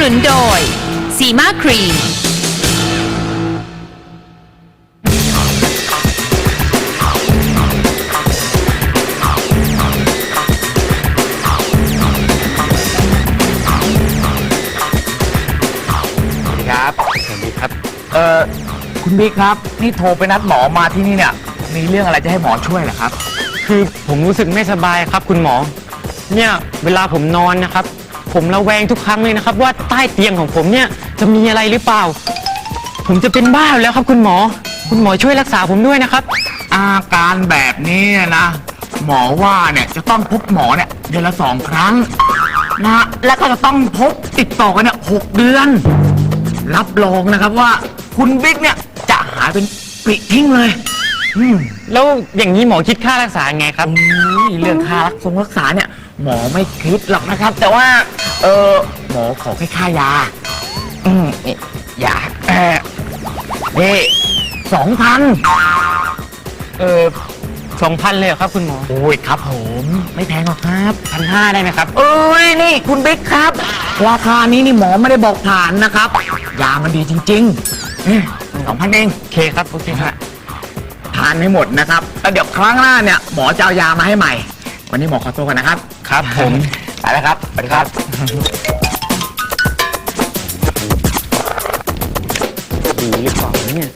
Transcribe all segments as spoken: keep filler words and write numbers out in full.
นุนโดยซีมาครีมครับสวัสดีครับเอ่อคุณบิ๊กครับนี่โทรไปนัดหมอมาที่นี่เนี่ยมีเรื่องอะไรจะให้หมอช่วยเหรอครับคือผมรู้สึกไม่สบายครับคุณหมอเนี่ยเวลาผมนอนนะครับผมระแวงทุกครั้งเลยนะครับว่าใต้เตียงของผมเนี่ยจะมีอะไรหรือเปล่าผมจะเป็นบ้าแล้วครับคุณหมอคุณหมอช่วยรักษาผมด้วยนะครับอาการแบบนี้นะหมอว่าเนี่ยจะต้องพบหมอเนี่ยเดือนละสองครั้งนะแล้วก็จะต้องพบติดต่อกันเนี่ยหกเดือนรับรองนะครับว่าคุณบิ๊กเนี่ยจะหายเป็นปลิทิ้งเลยอืมแล้วอย่างนี้หมอคิดค่ารักษาไงครับเรื่องค่ารักษารักษาเนี่ยหมอไม่คิดหรอกนะครับแต่ว่าเออหมอขอแค่ค่ายาอืมนี่ยาเออนี่สองพันเออสองพันเลยเหรอครับคุณหมอโอ้ยครับผมไม่แพงหรอกครับพันห้าได้ไหมครับเอ้ยนี่คุณบิ๊กครับราคานี้นี่หมอไม่ได้บอกผ่านนะครับยามันดีจริงๆสองพันเองโอเคครับโอเคครับทานให้หมดนะครับแล้วเดี๋ยวครั้งหน้าเนี่ยหมอจะเอายามาให้ใหม่วันนี้หมอขอตัวก่อนนะครับครับผมไปแล้วครับสวัสดีครับดีหรือเปล่าเนี่ย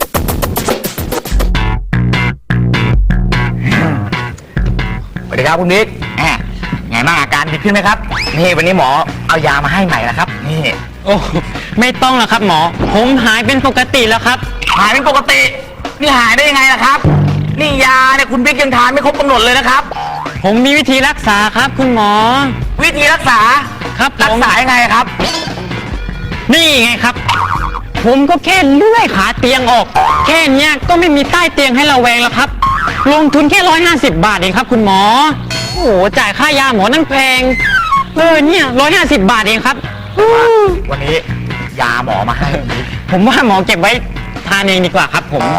สวัสดีครับคุณบิ๊กแหมไงบ้างอาการดีขึ้นไหมครับนี่วันนี้หมอเอายามาให้ใหม่แล้วครับนี่โอ้ไม่ต้องแล้วครับหมอผมหายเป็นปกติแล้วครับหายเป็นปกตินี่หายได้ยังไงล่ะครับนี่ยาเนี่ยคุณบิ๊กยังทานไม่ครบกำหนดเลยนะครับผมมีวิธีรักษาครับคุณหมอวิธีรักษาครับรักษายังไงครับนี่ไงครับผมก็แค่เลื่อยขาเตียงออกแค่เนี้ยก็ไม่มีใต้เตียงให้เราแวงแล้วครับลงทุนแค่ร้อยห้าสิบบาทเองครับคุณหมอโอ้โหจ่ายค่ายาหมอนั่งแพงเออเนี่ยร้อยห้าสิบบาทเองครับวันนี้ยาหมอมาให้ผมว่าหมอเก็บไว้ทานเองดีกว่าครับผม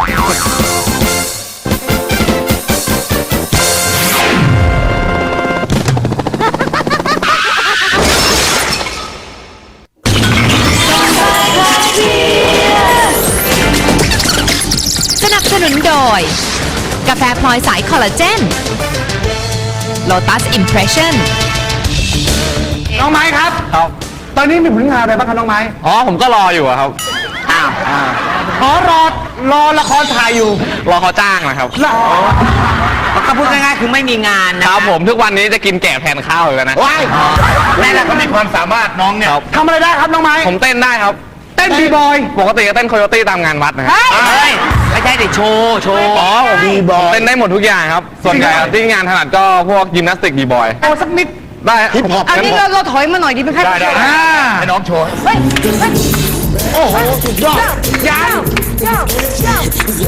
สนับสนุนโดยกาแฟพลอยสายคอลลาเจน Lotus Impression น้องไม้ครับครับตอนนี้มีผลงานอะไรบ้างครับน้องไม้อ๋อผมก็รออยู่ครับอ้าวขอรอรอละครถ่ายอยู่รอเขาจ้างนะครับก็พูดง่ายๆคือไม่มีงานนะครับผมทุกวันนี้จะกินแกะแทนข้าวเลยนะว้ายแม่แหละก็มีความสามารถน้องเนี่ยทำอะไรได้ครับน้องไม้ผมเต้นได้ครับเต้นบีบอยปกติก็เต้นโคโยตี้ตามงานวัดนะครับไม่ใช่ดิโชว์โชว์อ๋อบีบอยเต้นได้หมดทุกอย่างครับส่วนใหญ่ที่งานถนัดก็พวกยิมนาสติกบีบอยโอ้สักนิดได้อันนี้เราเราถอยมาหน่อยดีไหมครับได้ได้ให้น้องโชว์โอ้โหสุดยอดยาวยาวยาว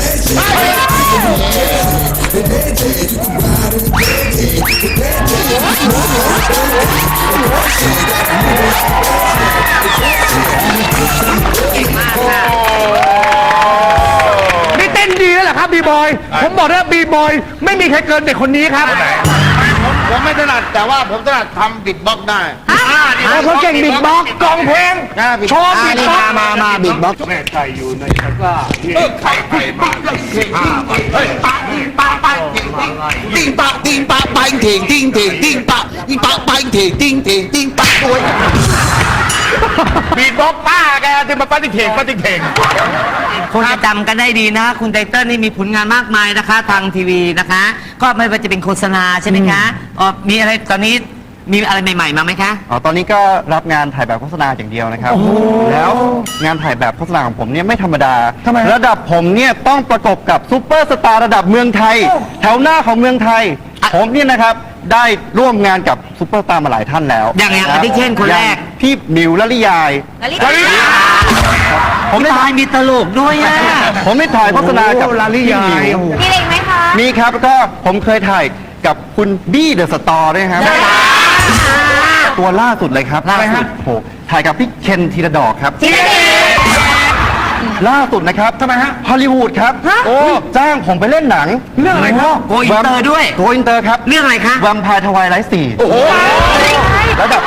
นี่เต้นดีแล้วเหรอครับบีบอยผมบอกแล้วบีบอยไม่มีใครเกินเด็กคนนี้ครับผมไม่ถนัดแต่ว่าผมถนัดทำบิดบ็อกได้เขาเก่งบิดบ็อกกองเพลงโชว์บิดบ็อกมามาบิดบ็อกแม่ไก่อยู่ในตะกร้าไข่ไข่มาเฮ้ยปะปะปะติ้งปะติ้งปะไปเถ่งติ้งเถ่งติ้งปะติ้งปะไปเถ่งติ้งเถ่งติ้งปะโอ้ยบิดบ็อกป้าแกที่มาปั้นติ๊กเถ่งปั้นติ๊กเถ่งคงจะจำกันได้ดีนะคุณไตเติ้ลนี่มีผลงานมากมายนะคะทางทีวีนะคะก็ไม่ว่าจะเป็นโฆษณาใช่ไหมคะอ๋อมีอะไรตอนนี้มีอะไรใหม่ๆมาไหมคะอ๋อตอนนี้ก็รับงานถ่ายแบบโฆษณาอย่างเดียวนะครับแล้วงานถ่ายแบบโฆษณาของผมเนี่ยไม่ธรรมดาระดับผมเนี่ยต้องประกบกับซูเปอร์สตาร์ระดับเมืองไทยแถวหน้าของเมืองไทยผมเนี่ยนะครับได้ร่วมงานกับซูเปอร์สตาร์มาหลายท่านแล้วอย่างอย่างอาทิเช่นคนแรกพี่มิวละลิยายละลิยายผมได้ถ่ายมีตลกด้วยอ่ะผมได้ถ่ายโฆษณากับละลิยายมีอะไรไหมคะมีครับก็ผมเคยถ่ายกับคุณบี้เดอะสตอร์ด้วยครับตัวล่าสุดเลยครับล่าสุดโหถ่ายกับพี่เคนธีรดอกครับล่าสุดนะครับทำไมฮะฮอลลีวูดครับโอ้จ้างผมไปเล่นหนังเรื่องอะไรครับโกอินเตอร์ด้วยโกอินเตอร์ครับเรื่องอะไรคะแวมไพร์ทวายไลท์สี่ระดับ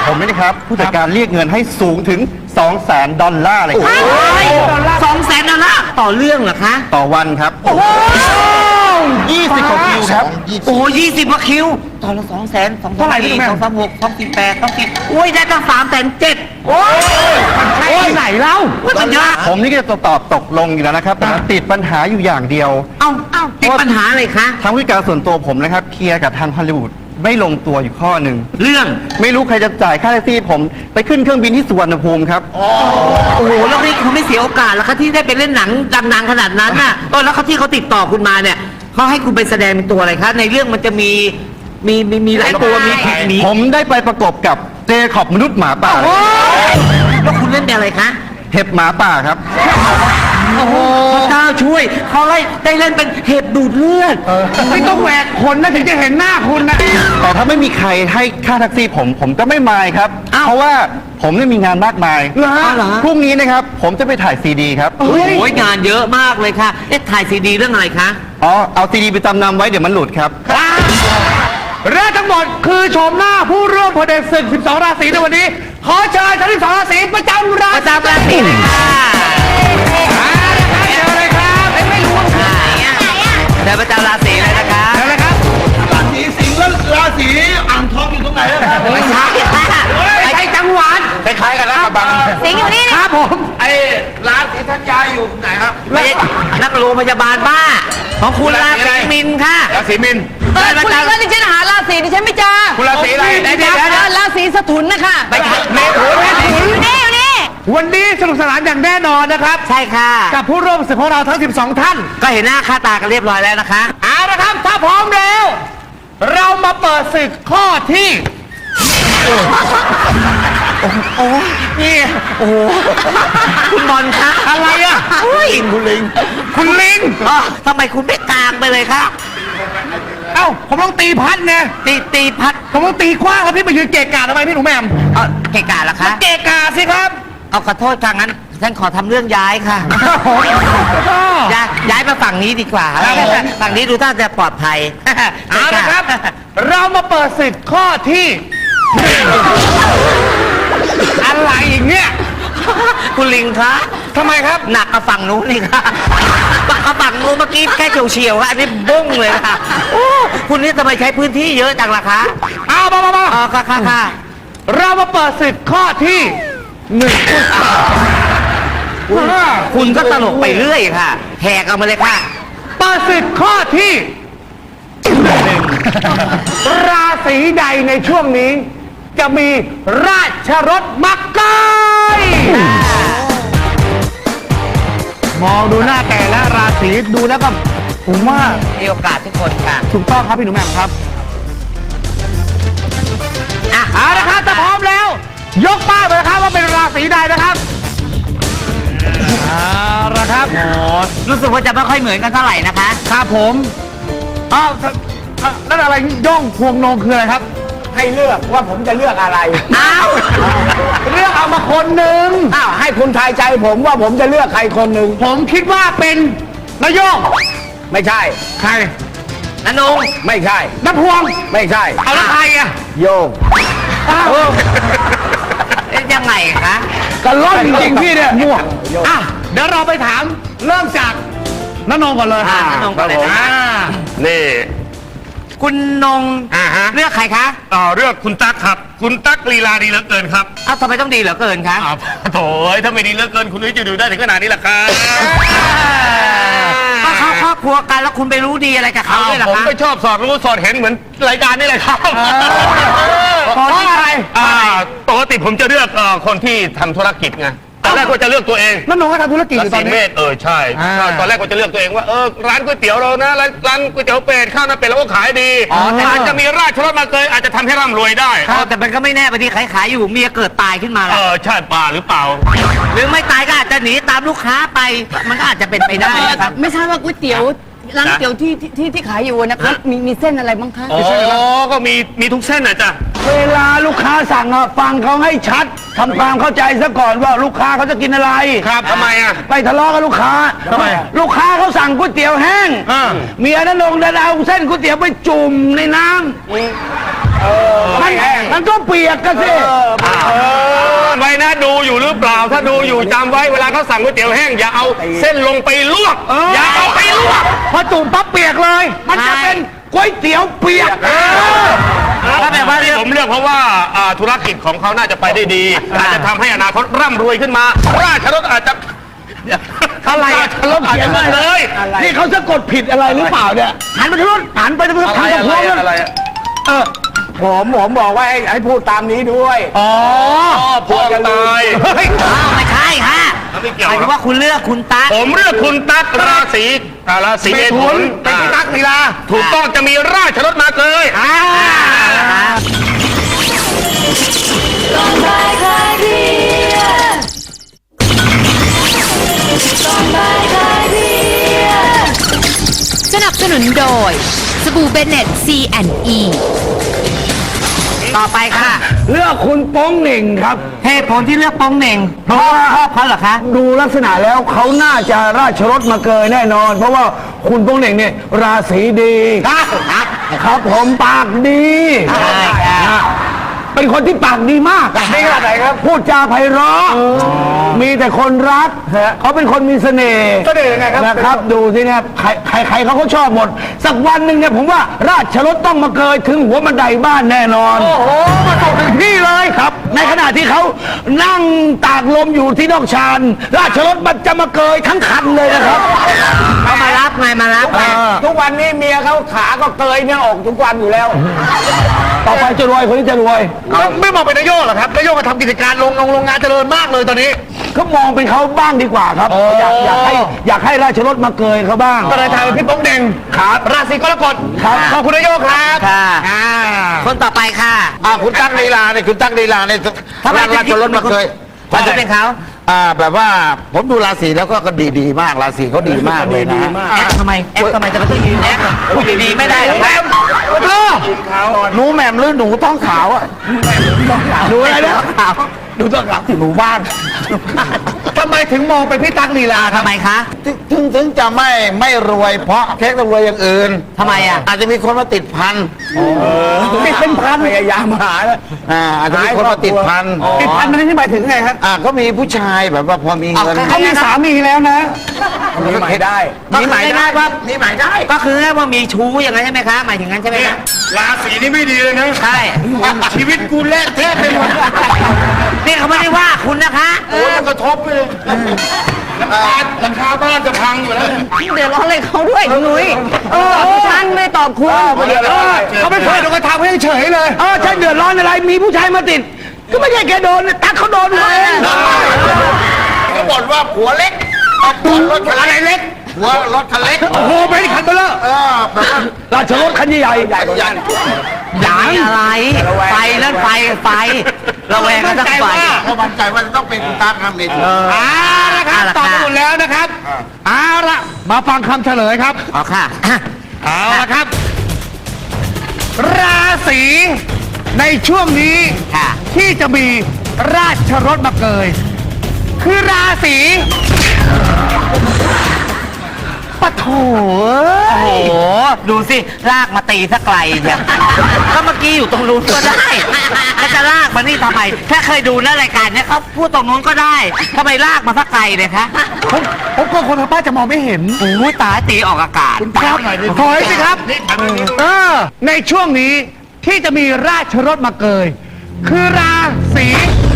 ผมนี่นะครับ ผู้จัดการเรียกเงินให้สูงถึง สองแสน ดอลลาร์เลยครับสองแสนดอลลาร์ต่อเรื่องเหรอคะต่อวันครับยี่สิบกว่าคิวครับโอ้ยี่สิบกว่าคิวต่อละสองแสนสองเท่าไหร่พี่สองสามหกสองสี่แปดสองสี่โอ้ยได้ตั้งสามแสนเจ็ดโอ้ยใช่ไหนเล่ามันเยอะผมนี่ก็จะตอบตกลงอยู่แล้วนะครับแต่ติดปัญหาอยู่อย่างเดียวเอ้าเอ้าติดปัญหาอะไรคะทางผู้จัดการส่วนตัวผมนะครับเคลียร์กับทางฮอลลีวูดไม่ลงตัวอยู่ข้อหนึ่งเรื่องไม่รู้ใครจะจ่ายค่าแท็กซี่ผมไปขึ้นเครื่องบินที่สุวรรณภูมิครับโอ้โหแล้วนี่คุณไม่เสียโอกาสแล้วคะที่ได้ไปเล่นหนังดังๆขนาดนั้นน่ะเออแล้วเขาที่เขาติดต่อคุณมาเนี่ยเขาให้คุณไปแสดงเป็นตัวอะไรคะในเรื่องมันจะมีมีมีมีหลายตัวมีผีมีผมได้ไปประกบกับเจคอบมนุษย์หมาป่าแล้วคุณเล่นเป็นอะไรคะเห็บหมาป่าครับโอ้โหพระเจ้าช่วยเขาได้ได้เล่นเป็นเห็บดูดเลือดไม่ต้องแหวกขนนะถึงจะเห็นหน้าคุณนะแต่ถ้าไม่มีใครให้ค่าแท็กซี่ผมผมก็ไม่มายครับ เพราะว่าผมเนี่ยมีงานมากมายเหรอเหรอพรุ่งนี้นะครับผมจะไปถ่ายซีดีครับโอ้ยงานเยอะมากเลยค่ะเอ๊ะถ่ายซีดีเรื่องอะไรคะอ๋อเอาซีดีไปจำนำไว้เดี๋ยวมันหลุดครับเรื่องทั้งหมดคือโฉมหน้าผู้ร่วมพเดศึกสิบสอง ราศีในวันนี้ ขอเชิญทั้งสิบสอง ราศีประจำราประศีจำราศีเลยค่ะเดี๋ยวเลยครับไม่รู้ว่าเดี๋ยวประจำราศีเลยนะคะเดี๋ยวเลยครับราศีสิงห์แล้วราศีอ่างทองอยู่ตรงไหนอะครับไม่ใช่ค่ะไม่ใช่จังหวัดคล้ายๆกันนะกระบังสิงห์อยู่นี่ครับผมไอ้ร้านศรีธัญญาอยู่ไหนครับไม่ใช่นักโรงพยาบาลบ้า ของคุณราศีมินค่ะราศีมินเออคุณก็ดิฉันหาราศีดิฉันไม่เจอคุณราศีอะไรเดี๋ยวเดี๋ยวเดี๋ยวราศีสถุนนะคะไปค่ะเมถุนอยู่นี่อยู่นี่วันนี้สนุกสนานอย่างแน่นอนนะครับใช่ค่ะกับผู้ร่วมศึกของเราทั้ง สิบสอง ท่านก็เห็นหน้าค่าตากันเรียบร้อยแล้วนะคะเอาละครับ ถ้าพร้อมแล้ว เรามาเปิดศึกข้อที่โอ้ยนี่โอ้โหคุณบอลคะอะไรอ่ะอุ้ยคุณลิงคุณลิงอ๋อทำไมคุณไม่กลางไปเลยคะเอ้า ผมต้องตีพัดไงตีตีพัดผมต้องตีกว้างแล้วพี่มายืนเกะกะทำไมพี่หนูแหม่มเออเกะกะเหรอคะเกะกะสิครับเอาขอโทษค่ะงั้นฉันขอทำเรื่องย้ายค่ะก็ย้ายย้ายมาฝั่งนี้ดีกว่าครับผมฝั่งนี้ดูท่าจะปลอดภัยเอาละครับ เรามาเปิดศึกข้อที่หนึ่งอะไรอย่างเงี้ยคุณลิงคะทำไมครับหนักกับฝั่งนู้นนี่ค่ะฝั่งกับฝั่งนู้นเมื่อกี้แค่เฉียวๆค่ะอันนี้บุ้งเลยค่ะโอ้คุณนี่ทำไมใช้พื้นที่เยอะจังล่ะคะเอามามามาอ๋อค่ะค่ะค่ะเรามาเปิดศึกข้อที่หนึ่งคุณก็ตลกไปเรื่อยค่ะแหกเอามาเลยค่ะเปิดศึกข้อที่หนึ่งราศีใดในช่วงนี้ จะมีราชรถมักกายมองดูหน้าแต่ละราศีดูแล้วก็ผมว่ามีโอกาสทุกคนค่ะถูกต้องครับพี่หนูแหม่มครับอ่ะเอาละครับถ้าพร้อมแล้ว ยกป้ายไปนะครับว่าเป็นราศีใดนะครับเอาละครับรู้สึกว่าจะไม่ค่อยเหมือนกันเท่าไหร่นะคะครับผมอ้าวนั่นอะไรย่องพวงนงคืออะไรครับ ให้เลือกว่าผมจะเลือกอะไรอ้าวเลือกเอามาคนหนึ่งอ้าวให้คุณทายใจผมว่าผมจะเลือกใครคนหนึ่งผมคิดว่าเป็นนายโยงไม่ใช่ใครนันงไม่ใช่น้ำพวงไม่ใช่เอาแล้วใครอ่ะโยงอ้าวเอ๊ะยังไงคะกระล่อนจริงๆพี่เนี่ยมั่วอ่ะเดี๋ยวเราไปถามเริ่มจากนนงก่อนเลยอ่านันงก่อนเลยนะอ่านี่คุณนงอ่าฮะเลือกใครคะต่อเลือกคุณตั๊กครับ คุณตั๊กลีลาดีเหลือเกินครับอ้าวทำไมต้องดีเหลือเกินคะอ้าวโถ่เอ้ยถ้าไม่ดีเหลือเกินคุณนุ้ยจะดูได้ถึงขนาดนี้ล่ะครับก็เขาครอบครัวกันแล้วคุณไปรู้ดีอะไรกับเขาอ้าวด้วยเหรอผมคะก็ชอบสอดรู้สอดเห็นเหมือนรายการนี่แหละครับเพราะอะไรอ่าปกติผมจะเลือกเอ่อคนที่ทำธุรกิจไงตอนแรกก็จะเลือกตัวเองนนงก็ทำธุรกิจอรายู่ตอศีนเมนี้ษเออใช่อ่าใช่ตอนแรกก็จะเลือกตัวเองว่าเออร้านก๋วยเตี๋ยวเรานะร้านร้านก๋วยเตี๋ยวเป็ดข้าวหน้าเป็ดเราก็ขายดีอ๋อแต่อาจจะมีราชรถมาเกยอาจจะทำให้ร่ำรวยได้อ๋อแต่มันก็ไม่แน่บางทีขายขายๆอยู่เมียเกิดตายขึ้นมาเอล่ะอใช่ป่าหรือเปล่าหรือไม่ตายก็อาจจะหนีตามลูกค้าไป มันก็อาจจะเป็นไปได้นะครับไม่ทราบว่าก๋วยเตี๋ยวร้านก๋วยเตี๋ยวที่ที่ที่ที่ขายอยู่นะคะมีมีเส้นอะไรบ้างคะอ๋อก็มีมีทุกเส้นนะจ๊ะเวลาลูกค้าสั่งอะฟังเขาให้ชัดทำความเข้าใจซะก่อนว่าลูกค้าเขาจะกินอะไรครับทำไมอ่ะไปทะเลาะกับลูกค้าทำไมลูกค้าเขาสั่งก๋วยเตี๋ยวแห้งอ่าเมียนั้นลงดันเอาเส้นก๋วยเตี๋ยวไปจุ่มในน้ำเมันมันก็เปียกกันสิไว้นะดูอยู่หรือเปล่า ถ้าดูอยู่จำไว้เวลาเขาสั่งก๋วยเตี๋ยวแห้งอย่าเอาเส้นลงไปลวก อย่าเอาไปลวกพอจุ่มปั๊บเปียกเลย มันจะเป็นก๋วยเตี๋ยวเปียกถ้าแบบว่าที่ผมเลือกเพราะว่าอ่าธุรกิจของเขาน่าจะไปได้ดี อาจจะทำให้อนาคตร่ำรวยขึ้นมา ราชรถอาจจะอะไรราชรถอาจจะเลยนี่เขาสะกดผิดอะไรหรือเปล่าเนี่ยหันไปทางนู้นหันไปทางนู้นทางตะพวงนั่นเออผมผมบอกว่าให้ให้พูดตามนี้ด้วยอ๋อพวกตายอ้าวไม่ใช่ฮะไม่เกี่ยวหมายถึงว่าคุณเลือกคุณตั๊กผมเลือกคุณตั๊กราศีอ่าราศีเมถุนเป็นพี่ตั๊กลีลาถูกต้องจะมีราชรถมาเกยอ่าสนับสนุนโดย สบู่เบเน็ต ซี แอนด์ อีต่อไปค่ะเลือกคุณโป้งเหน่งครับเหตุผลที่เลือกโป้งเหน่งเพราะว่าชอบเขาเหรอคะดูลักษณะแล้วเขาน่าจะราชรถมาเกยแน่นอน เพราะว่าคุณโป้งเหน่งเนี่ยราศีดีครับผมปากดีใช่ครับเป็นคนที่ปากดีมากดีขนาดไหนครับ พูดจาไพเราะมีแต่คนรักเขาเป็นคนมีเสน่ห์เสน่ห์ยังไงครับนะครับ ดูสิเนี่ยใครใครใครเขาก็ชอบหมด สักวันหนึ่งเนี่ยผมว่าราชรถต้องมาเกยถึงหัวบันไดบ้านแน่นอนโอ้โหมาตกถึงที่เลยครับ ในขณะที่เขานั่งตากลมอยู่ที่นอกชานราชรถมันจะมาเกยทั้งคันเลยนะครับเขามารับไงมารับไงทุกวันนี้เมียเขาขาก็เกยเนี่ยออกทุกวันอยู่แล้ว ต่อไปจะรวยคนนี้จะรวยไม่มองเป็นนายโยกหรอครับนายโยกก็ทำกิจการโรงงานโรงงานเจริญมากเลยตอนนี้เขามองเป็นเขาบ้างดีกว่าครับ อยากอยากให้อยากให้ราชรถมาเกยเขาบ้างก็เลยทายเป็นพี่โป้งเด่งครับราศีกรกฎครับขอบคุณนายโยกครับค่ะอ่าคนต่อไปค่ะอ่าคุณตั๊กลีลาเนี่ยคุณตั๊กลีลาเนี่ยทำไมราชรถมาเคยทำไมเป็นเขาอ่าแบบว่าผมดูราศีแล้วก็ก็ดีดีมากราศีเขาดีมากเลยนะแอปทำไมแอปทำไมจะมาต้องยืนแอปดีไม่ได้หรอกครับหนูแหม่มหรือหนูท้องขาวอ่ะหนูอะไรนะหนูท้องขาวหนูบ้านทำไมถึงมองเป็นพี่ตั๊กลีลาครับทำไมคะถึงถึงถึงจะไม่ไม่รวยเพราะเค้กต้องรวยอย่างอื่นทำไมอ่ะอาจจะมีคนมาติดพันติดเป็นพันพยายามหาแล้วอ่าอาจจะมีคนมาติดพันติดพันมันนี่หมายถึงไงครับอ่าก็มีผู้ชายแบบว่าพอมีเงินเขามีสามีแล้วนะมีหมายได้มีหมายได้ว่ามีหมายได้ก็คือว่ามีชู้อย่างนั้นใช่ไหมคะ หมายถึงงั้นใช่ไหมคะราศีนี้ไม่ดีเลยนะใช่ชีวิตกูเละเทะไปหมดนี่เขาไม่ได้ว่าคุณนะคะโอ้ยมันกระทบไปเลยหลังคาบ้านจะพังอยู่แล้วเดือดร้อนอะไรเขาด้วยคุณนุ้ยเออฉันไม่ตอบคุณเขาไม่เคยโดนกระทำให้เฉยเลยเออใช่เดือดร้อนอะไรมีผู้ชายมาติด ก็ไม่ใช่แกโดนตั๊กเขาโดนเองก็บ่นว่าผัวเล็กเอาผัวรถคันเล็กผัวรถคันเล็กโอ้โหไปที่คันเบลเลอร์เออแบบว่าราชรถคันใหญ่ใหญ่กว่านั้นอย่างอะไร ไฟนั่นไฟ ไฟ ระแวงกันทั้งไฟเขามั่นใจว่าจะต้องเป็นคุณตั๊กครับนี่เอาละครับเอาละตอบค่ะไปหมดแล้วนะครับเอาละมาฟังคำเฉลยครับอ๋อค่ะเอาละครับ ราศีในช่วงนี้ค่ะที่จะมีราชรถมาเกย คือราศีปะโถโอ้โห ดูสิ ลากมาตีซะไกลเนี่ยก็เมื่อกี้อยู่ตรงนู้นก็ได้แล้วจะลากมานี่ทำไม ถ้าเคยดูนะรายการเนี้ยเขาพูดตรงนู้นก็ได้ทำไมลากมาซะไกลเนี่ยคะผมผมกลัวคนทางบ้านจะมองไม่เห็นโอ้ยตายตีออกอากาศครับถอยสิครับเออในช่วงนี้ที่จะมีราชรถมาเกย คือราศี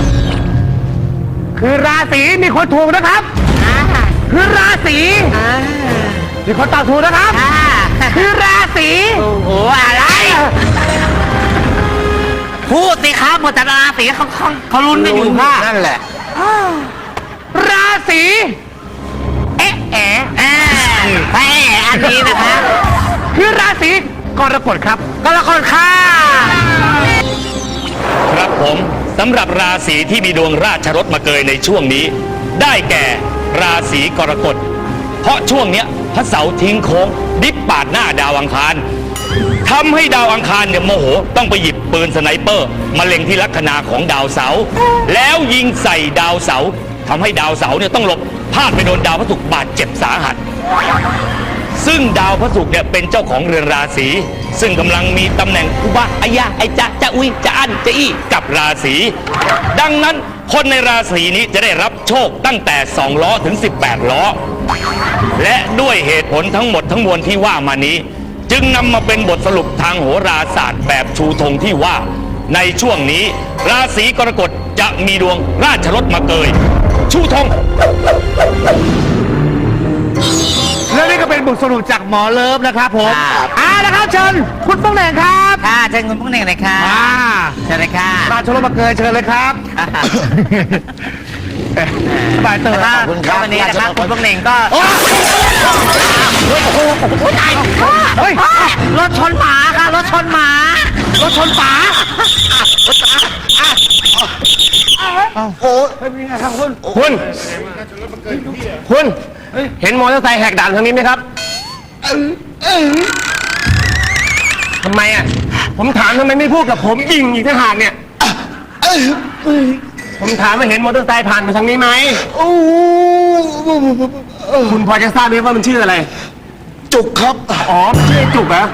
คือราศีมีคนถูกนะครับ คือราศีมีคนตอบถูกนะครับอ่าคือราศีโอ้โห อะไร พูดสิครับหมดแต่ราศีเขาเขาเขาลุ้นกันอยู่ค่ะนั่นแหละราศีเอ๊ะแอะแหมอันนี้นะคะคือราศีกรกฎครับก็ละคนค่ะครับผมสำหรับราศีที่มีดวงราชรถมาเกยในช่วงนี้ ได้แก่ราศีกรกฎเพราะช่วงเนี้ยพระเสาร์ทิ้งโค้งดิบปาดหน้าดาวอังคารทำให้ดาวอังคารเนี่ยโมโหต้องไปหยิบปืนสไนเปอร์มาเล็งที่ลัคนาของดาวเสาร์แล้วยิงใส่ดาวเสาร์ทำให้ดาวเสาร์เนี่ยต้องหลบพลาดไปโดนดาวพฤหัสบาดเจ็บสาหัส ซึ่งดาวพระศุกร์เนี่ยเป็นเจ้าของเรือนราศีซึ่งกำลังมีตำแหน่งอุบะอายะไอจะจะอุยจะอั้นจะอี้กับราศีดังนั้นคนในราศีนี้จะได้รับโชคตั้งแต่สองล้อถึงสิบแปดล้อและด้วยเหตุผลทั้งหมดทั้งมวลที่ว่ามานี้ จึงนำมาเป็นบทสรุปทางโหราศาสตร์แบบชูธงที่ว่า ในช่วงนี้ ราศีกรกฎจะมีดวงราชรถมาเกย ชูธงแล้วนี่ก็เป็นบทสรุปจากหมอเลิฟนะครับผมอ่านะครับเชิญคุณป้องแหน่งครับค่ะเชิญคุณพวกหนึ่งเลยค่ะอ่าเชิญเลยค่ะราชรถมาเกยเชิญเลยครับสบายเตอร์ขอบคุณครับวันนี้นะครับคุณพวกหนึ่งก็เฮ้ยรถชนหมาค่ะรถชนหมารถชนฝาโอ้เป็นยังไงครับคุณคุณ คุณ เห็นมอเตอร์ไซค์แหกด่านทางนี้ไหมครับทำไมอ่ะ ผมถามทำไมไม่พูดกับผมยิงอีกทหารเนี่ย ผมถามว่าเห็นมอเตอร์ไซค์ผ่านมาทางนี้ไหมโอ้คุณพอจะทราบไหมว่ามันชื่ออะไรจุกครับอ๋อมันชื่อไอ้จุกเหรอ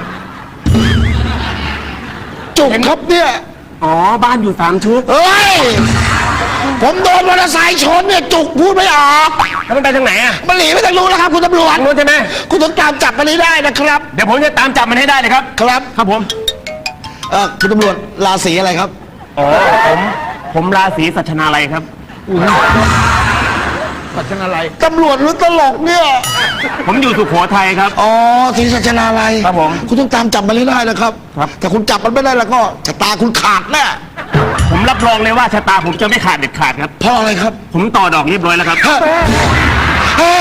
จุกครับเนี่ยอ๋อ บ้านอยู่สามชุดเฮ้ย ผมโดนมอเตอร์ไซค์ชนเนี่ยจุกพูดไม่ออกแล้วมันไปทางไหนอ่ะมันหนีไปทางนู้นแล้วครับคุณตำรวจทางนู้นใช่ไหมคุณต้องตามจับมันให้ได้นะครับเดี๋ยวผมจะตามจับมันให้ได้เลยครับครับครับผมเอ่อคุณตำรวจราศีอะไรครับอ๋อ ผม ผมราศีสัชนาลัยครับสัชนาลัยตำรวจหรือตลกเนี่ยผมอยู่สุโขทัยครับอ๋อทีสัชนาลัยครับผมคุณต้องตามจับมันให้ได้นะครับครับแต่คุณจับมันไม่ได้แล้วก็ชะตาคุณขาดแน่ผมรับรองเลยว่าชะตาผมจะไม่ขาดเด็ดขาดครับเพราะอะไรครับผมต่อดอกเรียบร้อยแล้วครับฮะฮะ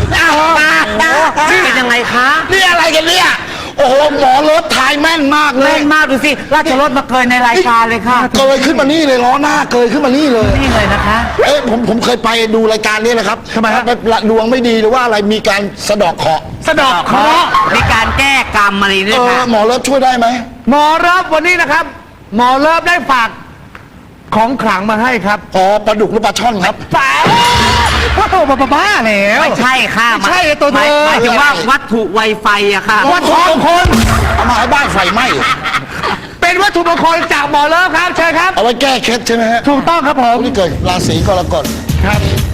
เป็นยังไงคะนี่อะไรกันเนี่ย โอ้โหหมอรถทายแม่นมากเลยเล่นมากดูสิราชรถมาเกินในรายการเลยค่ะเกยขึ้นมานี่เลยล้อหน้าเกยขึ้นมานี่เลยนี่เลยนะคะเอ๊ะผมผมเคยไปดูรายการนี้นะครับทำไมครับดวงไม่ดีหรือว่าอะไรมีการสะเดอกเคราะห์สะดอกเคราะห์มีการแก้กรรมอะไรด้วเอย อค่ะหมอรถช่วยได้ไหมหมอเลิฟวันนี้นะครับ หมอเลิฟได้ฝากของขลังมาให้ครับอ๋อปลาดุกหรือปลาช่อนครับฝากพ่อโตบ้าบ้าแล้วไม่ใช่ค่ะไม่ใช่ไอ้ตัวเธอหมายหมายถึงว่าวัตถุไวไฟอะค่ะวัตถุมงคลเอามาให้บ้านไฟไหม้เป็นวัตถุมงคลจากหมอเลิฟครับเชิญครับเอาไว้แก้เคล็ดใช่ไหมฮะถูกต้องครับผมผู้ที่เกิดราศีกรกฎครับ